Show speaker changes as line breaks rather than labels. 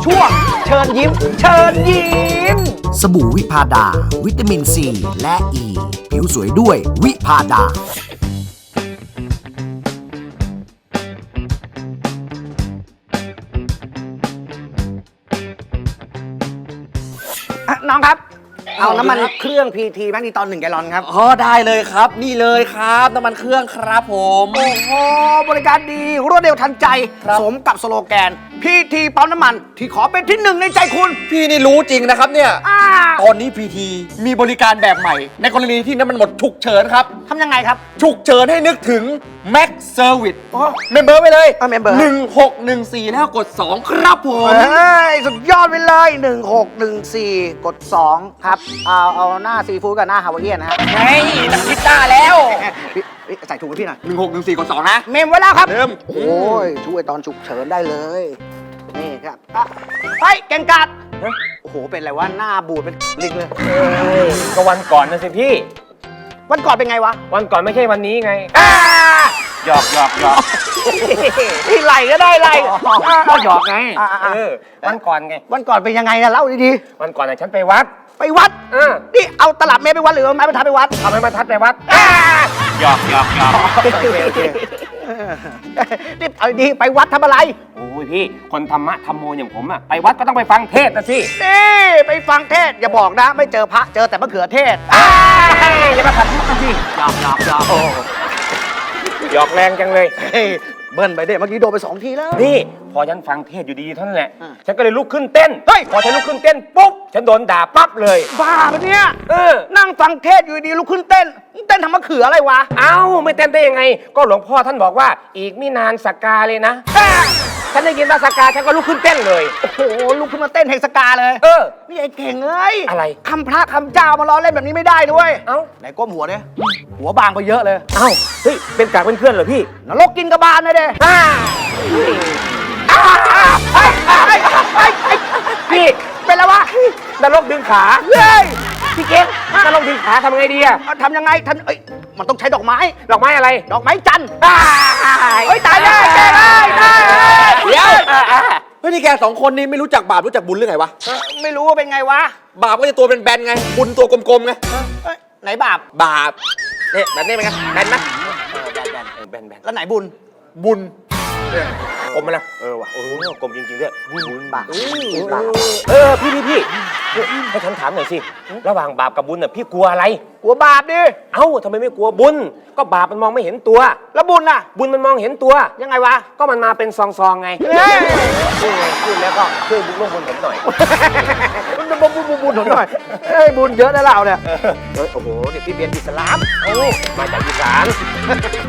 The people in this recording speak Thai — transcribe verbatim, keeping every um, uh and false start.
ช่วงเชิญยิ้มเชิญยิ้ม
สบู่วิพาดาวิตามินซีและอ e. ีผิวสวยด้วยวิพาดา
น้องครับเอาน้ำมันเครื่องพีทีแมกนีตอนหนึ่งแกลลอนครับ
อ๋อได้เลยครับนี่เลยครับน้ำมันเครื่องครับผม
โอ้โหบริการดีรวดเร็วทันใจสมกับสโลแกนพีทีปั๊มน้ำมันที่ขอเป็นที่หนึ่งในใจคุณ
พี่นี่รู้จริงนะครับเนี่ย
อ่า
ตอนนี้พีทีมีบริการแบบใหม่ ในกรณีที่น้ำมันหมดฉุกเฉินครับ
ทำยังไงครับ
ฉุกเฉินให้นึกถึง Max Service
โอ้
เมมเบอร์ไปเลย
อ่ะ member
หนึ่งหกหนึ่งสี่แล้วกดสองครับผม
เฮ้ยสุดยอดไปเลยหนึ่งหกหนึ่งสี่กดสองครับเอาเอาหน้าซีฟู้ดกับหน้าฮาวายเอียนนะฮะ
ไงพิซซ่าแล้ว
พี่พี่ใส่ถุงให้พี่หน่อย
หนึ่งหกหนึ่งสี่กดสองนะ
เมมไว้แล้วครับ
เริ่ม
โอ้ยช่วยตอนฉุกเฉินได้เลย นี่ครับอ่ะเฮ้ยเก่งกาดโอ้โหเป็นอะไรวะหน้าบูดเป็นลิงเลย
ก็วันก่อนนะสิพี่
วันก่อนเป็นไงวะ
วันก่อนไม่ใช่วันนี้ไง
อ่า
หยอกหยอกหยอก
นี่ไหลก็ได้ไหล
ก็หยอกไง
อ่าอ่า
เออวันก่อนไง
วันก่อนเป็นยังไงนะเล่าดี
วันก่อนน่ะฉันไปวัด
ๆไปวัด
เออ
นี่เอาตลับเมตรไปวัดหรือเอาไม้บรรทัดไปวัด
ทำให้บรรทัดไปวัด
อ่า
หยอกหยอกหยอก
โอเคโอเคนี่เอาดีไปวัดทำอะไร
โอ้ยพี่คนธรรมะธรรมโมอย่างผมอะไปวัดก็ต้องไปฟังเทศน์นะสิ
นี่ไปฟังเทศน์อย่าบอกนะ ไม่เจอพระเจอแต่มะเขือเทศ
อ่าอย่ามาขัดมุกกันสิหยอกหยอกหยอกโอ้หยอกแรงจังเลย
เฮ้ยเบิ้ลไปเด็เมื่อกี้โดนไปสองทีแล้ว
นี่พอฉันฟังเทศน์อยู่ดีๆเท่านั้นแหละ
อ่า
ฉันก็เลยลุกขึ้นเต้น
เฮ้ย
พอฉันลุกขึ้นเต้นปุ๊บฉันโดนด่าปั๊บเลย
บ้าปะเนี่ย
เออ
นั่งฟังเทศน์อยู่ดีลุกขึ้นเต้น เต้นทำมะเขืออะไรวะ
เอ้าไม่เต้นได้ยังไง ก็หลวงพ่อท่านบอกว่าอีกไม่นานสักกาเลยนะ
อ่า
ฉันได้ยินว่าสักกาฉันก็ลุกขึ้นเต้นเลย
โอ้โหลุกขึ้นมาเต้นเฮกสกาเลย
เออ
นี่ไอ้เก่งเอ้ย
อะไร
คำพระคำเจ้ามาล้อเล่นแบบนี้ไม่ได้ด้วย
เอ้า
ไหนก้มหัวเนี่ยหัวบางไปเยอะเลย
เอ้าเฮ้ยเป็นกากเป็นเพื่อนเหรอพี่
นรกกินกระบาลเลยเด้
อ่า
ไอ้ไอ้ไอ้ไอ้
พี่
เป็นไรวะ
นรกดึงขา
เย้ย
พี่เก่งนรกดึงขาทำไงดีอะ
เอาทำยังไงท่านเอ้ยมันต้องใช้ดอกไม้
ดอกไม้อะไร
ดอกไม้จันทร์
อ่า
เฮ้ยตายได้แกได้ได้
เดี๋ยว
อ่าอ่า
เฮ้ยนี่แกสองคนนี้ไม่รู้จักบาปรู้จักบุญหรือไงวะ
ไม่รู้ว่าเป็นไงวะ
บาปก็จะตัวเป็นแบนๆไงบุญตัวกลมๆไง
เอ้ยไหนบาป
บาปเนี่ยแบบนี้เป็นไงแบนไหม
แบนแบน
แล้วไหนบุญ
บุญ
กลมไหมล่ะ
เออว่ะ
โอ้โหกลมจริงๆด้วย
บุญบาปบุญบาป
เออพี่พี่พี่ให้ฉันถามหน่อยสิระหว่างบาปกับบุญน่ะพี่กลัวอะไร
กลัวบาปดิ
เอ้าทำไมไม่กลัวบุญก็บาปมันมองไม่เห็นตัว
แล้วบุญน่ะ
บุญมันมองเห็นตัว
ยังไงวะ
ก็มันมาเป็นซองๆไง
เฮ้ย
พูดไงพูดแล้วก็ช่วยบุญร่วมบุญผมหน่อย
บุญบุญบุญบุญบุญหน่อยเฮ้ยบุญเยอะนะเราเนี่ยเฮ้ยโอ้โหเดี๋ยวพี่เบียนอิสลาม
เอ้ามาจากอีสาน